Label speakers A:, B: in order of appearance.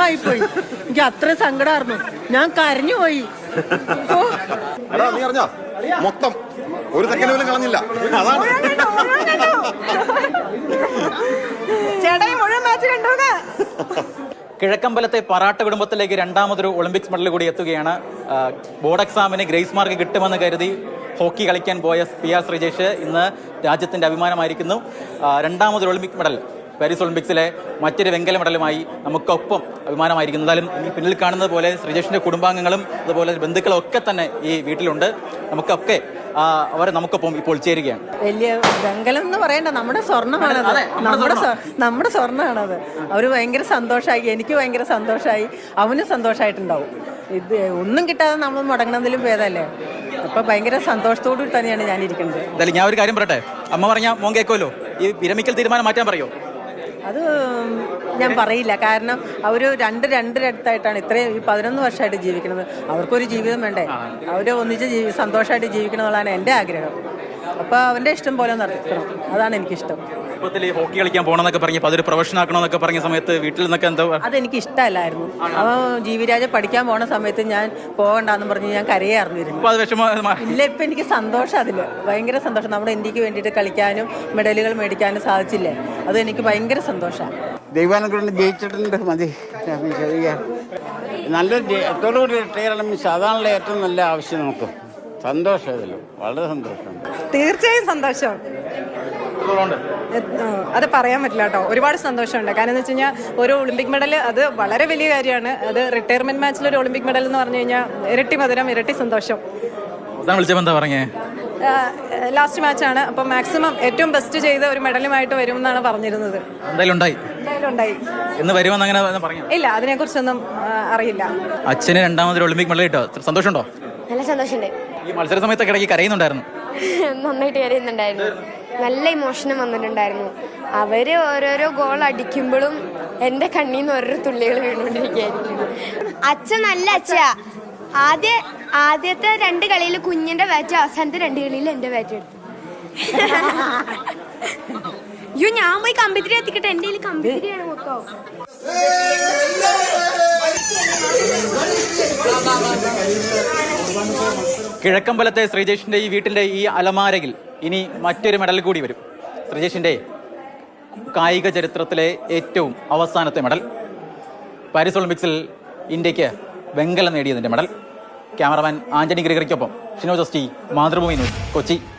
A: വിഷമായിപ്പോയി. എനിക്ക് അത്ര സങ്കടമായിരുന്നു, ഞാൻ കരഞ്ഞു പോയി.
B: നീ അറിഞ്ഞോ മൊത്തം ഒരു സെക്കൻഡ് പോലും കളഞ്ഞില്ല. അതാണ്
A: ചേട്ടായി മുഴുവൻ മാച്ച് കണ്ടോന്ന്.
C: കിഴക്കമ്പലത്തെ പറാട്ട കുടുംബത്തിലേക്ക് രണ്ടാമതൊരു ഒളിമ്പിക്സ് മെഡൽ കൂടി എത്തുകയാണ്. ബോർഡ് എക്സാമിന് ഗ്രേസ് മാർക്ക് കിട്ടുമെന്ന് കരുതി ഹോക്കി കളിക്കാൻ പോയ PR ശ്രീജേഷ് ഇന്ന് രാജ്യത്തിൻ്റെ അഭിമാനമായിരിക്കുന്നു. രണ്ടാമതൊരു ഒളിമ്പിക് മെഡൽ പാരീസ് ഒളിമ്പിക്സിലെ മറ്റൊരു വെങ്കല മെഡലുമായി നമുക്കൊപ്പം അഭിമാനമായിരിക്കുന്നു. എന്തായാലും ഈ പിന്നിൽ കാണുന്നത് പോലെ ശ്രീജേഷിൻ്റെ കുടുംബാംഗങ്ങളും അതുപോലെ ബന്ധുക്കളും ഒക്കെ തന്നെ ഈ വീട്ടിലുണ്ട്. നമുക്കൊക്കെ അവരെ നമുക്കൊപ്പം ഇപ്പോൾ ചേരുകയാണ്.
A: വലിയ വെങ്കലം എന്ന് പറയണ്ട, നമ്മുടെ സ്വർണ്ണമാണത്, നമ്മുടെ സ്വർണ്ണമാണത്. അവർ ഭയങ്കര സന്തോഷമായി, എനിക്ക് ഭയങ്കര സന്തോഷമായി, അവന് സന്തോഷമായിട്ടുണ്ടാവും. ഇത് ഒന്നും കിട്ടാതെ നമ്മൾ മുടങ്ങുന്നതിലും ഭേദമല്ലേ. അപ്പൊ ഭയങ്കര സന്തോഷത്തോടു കൂടി തന്നെയാണ് ഞാൻ ഇരിക്കുന്നത്.
C: എന്തായാലും ഞാൻ ഒരു കാര്യം പറയട്ടെ, അമ്മ പറഞ്ഞാൽ മോൻ കേൾക്കുമല്ലോ, ഈ വിരമിക്കൽ തീരുമാനം മാറ്റാൻ പറയോ?
A: അത് ഞാൻ പറയില്ല, കാരണം അവർ രണ്ടടുത്തായിട്ടാണ് ഇത്രയും 11 വർഷമായിട്ട് ജീവിക്കുന്നത്. അവർക്കൊരു ജീവിതം വേണ്ടേ, അവർ ഒന്നിച്ച് സന്തോഷമായിട്ട് ജീവിക്കണം എന്നുള്ളതാണ് എൻ്റെ ആഗ്രഹം. അപ്പോൾ അവൻ്റെ ഇഷ്ടം പോലെ നടത്തണം, അതാണ് എനിക്കിഷ്ടം.
C: ഇപ്പത്തിൽ ഈ ഹോക്കി കളിക്കാൻ പോകണമെന്നൊക്കെ പറഞ്ഞപ്പോൾ അതൊരു പ്രൊഫഷൻ ആക്കണമെന്നൊക്കെ പറഞ്ഞ സമയത്ത് വീട്ടിൽ നിന്നൊക്കെ എന്താ?
A: അതെനിക്ക് ഇഷ്ടമല്ലായിരുന്നു. അവൻ ജീവിരാജ പഠിക്കാൻ പോണ സമയത്ത് ഞാൻ പോകണ്ടെന്ന് പറഞ്ഞ് ഞാൻ കരയായിരുന്നു. ഇല്ല, ഇപ്പം എനിക്ക് സന്തോഷം, അതിൽ ഭയങ്കര സന്തോഷം. നമ്മുടെ ഇന്ത്യക്ക് വേണ്ടിയിട്ട് കളിക്കാനും മെഡലുകൾ മേടിക്കാനും സാധിച്ചില്ലേ, അത് എനിക്ക് ഭയങ്കര സന്തോഷമാണ്.
D: ദൈവാനുഗ്രഹം ജയിച്ചിട്ടുണ്ട്, മതി. നല്ലൊരു റിട്ടയർ മീൻസ് അതാണല്ലോ ഏറ്റവും നല്ല ആവശ്യം. നമുക്ക് സന്തോഷമല്ലോ, വളരെ സന്തോഷം.
E: തീർച്ചയായും സന്തോഷം, അത് പറയാൻ പറ്റില്ല കേട്ടോ. ഒരുപാട് സന്തോഷമുണ്ട്. കാരണം എന്ന് വെച്ച് കഴിഞ്ഞാൽ ഒരു ഒളിമ്പിക് മെഡൽ അത് വളരെ വലിയ കാര്യമാണ്. അത് റിട്ടയർമെന്റ് മാച്ചിൽ ഒരു ഒളിമ്പിക് മെഡൽ എന്ന് പറഞ്ഞു കഴിഞ്ഞാൽ ഇരട്ടി മധുരം, ഇരട്ടി സന്തോഷം. ലാസ്റ്റ് മാച്ചാണ്, അപ്പം മാക്സിമം ഏറ്റവും ബെസ്റ്റ് ചെയ്ത് ഒരു മെഡലുമായിട്ട് വരും എന്നാണ് പറഞ്ഞിരുന്നത്. ഇല്ല, അതിനെ കുറിച്ചൊന്നും അറിയില്ല.
C: അച്ഛന് രണ്ടാമതൊരു ഒളിമ്പിക് മെഡൽ കിട്ടോ, സന്തോഷമുണ്ടോ?
F: നല്ല സന്തോഷമുണ്ട്.
C: ഈ മത്സര സമയത്തൊക്കെ ഇടയ്ക്ക് കരയുന്നുണ്ടായിരുന്നു?
F: നന്നായിട്ട് കരയുന്നുണ്ടായിരുന്നു, നല്ല ഇമോഷനും വന്നിട്ടുണ്ടായിരുന്നു. അവര് ഓരോരോ ഗോൾ അടിക്കുമ്പോഴും എൻ്റെ കണ്ണീന്ന് ഓരോ തുള്ളികൾ വീണുകൊണ്ടിരിക്കുകയായിരിക്കും. അച്ഛൻ നല്ല അച്ഛാ. ആദ്യത്തെ 2 കളിയിൽ കുഞ്ഞിന്റെ ബാറ്റ്, അവസാനത്തെ 2 കളിയിൽ എൻ്റെ ബാറ്റ് എടുത്തു. അയ്യോ, ഞാൻ പോയി കമ്പിത്തിരി എത്തിക്കട്ടെ, എൻ്റെ കയ്യിൽ കമ്പിത്തിരിയാണ് മൊത്തം.
C: കിഴക്കമ്പലത്തെ ശ്രീജേഷിൻ്റെ ഈ വീട്ടിൻ്റെ ഈ അലമാരയിൽ ഇനി മറ്റൊരു മെഡൽ കൂടി വരും. ശ്രീജേഷിൻ്റെ കായിക ചരിത്രത്തിലെ ഏറ്റവും അവസാനത്തെ മെഡൽ, പാരീസ് ഒളിമ്പിക്സിൽ ഇന്ത്യക്ക് വെങ്കലം നേടിയതിൻ്റെ മെഡൽ. ക്യാമറമാൻ ആന്റണി ഗ്രിഗറിക്കൊപ്പം ഷിനോ ജസ്റ്റി, മാതൃഭൂമി ന്യൂസ്, കൊച്ചി.